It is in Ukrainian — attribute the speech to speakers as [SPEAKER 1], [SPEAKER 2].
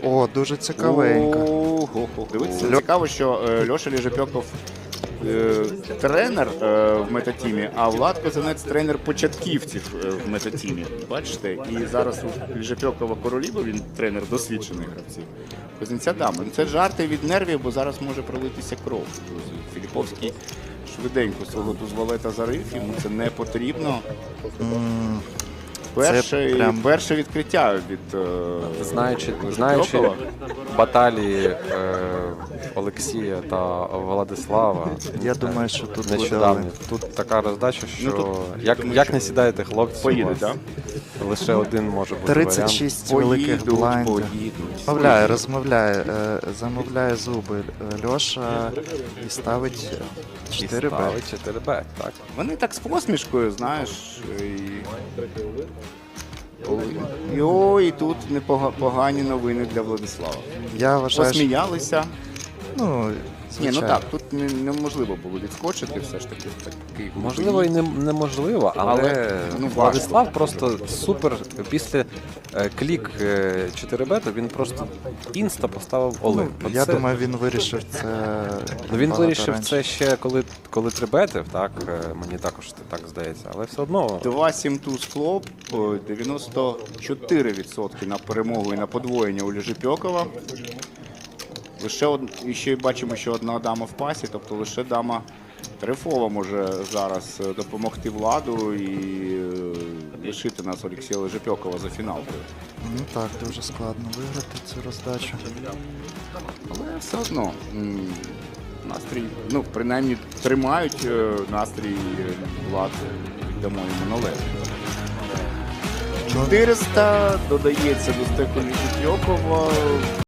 [SPEAKER 1] О, дуже цікавенько.
[SPEAKER 2] Дивіться, цікаво, що Льоша Лежепьоков тренер в метатімі, а Влад Козанець тренер початківців в метатімі. Бачите? І зараз у Лежепьокова Короліва, він тренер досвідчених гравців. Козанця дама. Ну, це жарти від нервів, бо зараз може пролитися кров. Філіповський швиденько свого дозволета зарив, йому це не потрібно. Перше відкриття від
[SPEAKER 3] Знаючи баталії Олексія та Владислава,
[SPEAKER 1] Я думаю, що тут буде
[SPEAKER 3] нещодавно. Тут така роздача, що як не сідаєте хлопці,
[SPEAKER 2] поїде, так?
[SPEAKER 3] лише один може бути
[SPEAKER 1] 36 великих блайндів.
[SPEAKER 2] Розмовляє.
[SPEAKER 1] Замовляє зуби Льоша і ставить 4Б.
[SPEAKER 3] 4Б, так.
[SPEAKER 2] Вони так з посмішкою, знаєш. І тут непогані новини для Владислава.
[SPEAKER 1] Я вважаю, що...
[SPEAKER 2] Посміялися.
[SPEAKER 1] Ну,
[SPEAKER 2] Ні, ну
[SPEAKER 1] звичайно.
[SPEAKER 2] так, тут неможливо було відскочити все ж таки. Такий
[SPEAKER 3] Можливо і неможливо, але
[SPEAKER 2] ну,
[SPEAKER 3] Владислав просто супер. Після клік 4Б, то він просто інста поставив Олимп.
[SPEAKER 1] Я думаю, він вирішив це.
[SPEAKER 3] Ну, він
[SPEAKER 1] багато
[SPEAKER 3] вирішив
[SPEAKER 1] раніше.
[SPEAKER 3] це ще коли трибетив, так, мені також так здається, але все одно.
[SPEAKER 2] 2-7 туз флоп, 94% на перемогу і на подвоєння у Лежепьокова. І ще бачимо, що одна дама в пасі, тобто лише дама Трефова може зараз допомогти Владу і лишити нас Олексія Лежепьокова за фіналкою.
[SPEAKER 1] Ну так, дуже складно виграти цю роздачу.
[SPEAKER 2] Але все одно настрій, ну, принаймні тримають настрій Влад, віддамо йому належить. 400 додається до стеку Лежепьокова.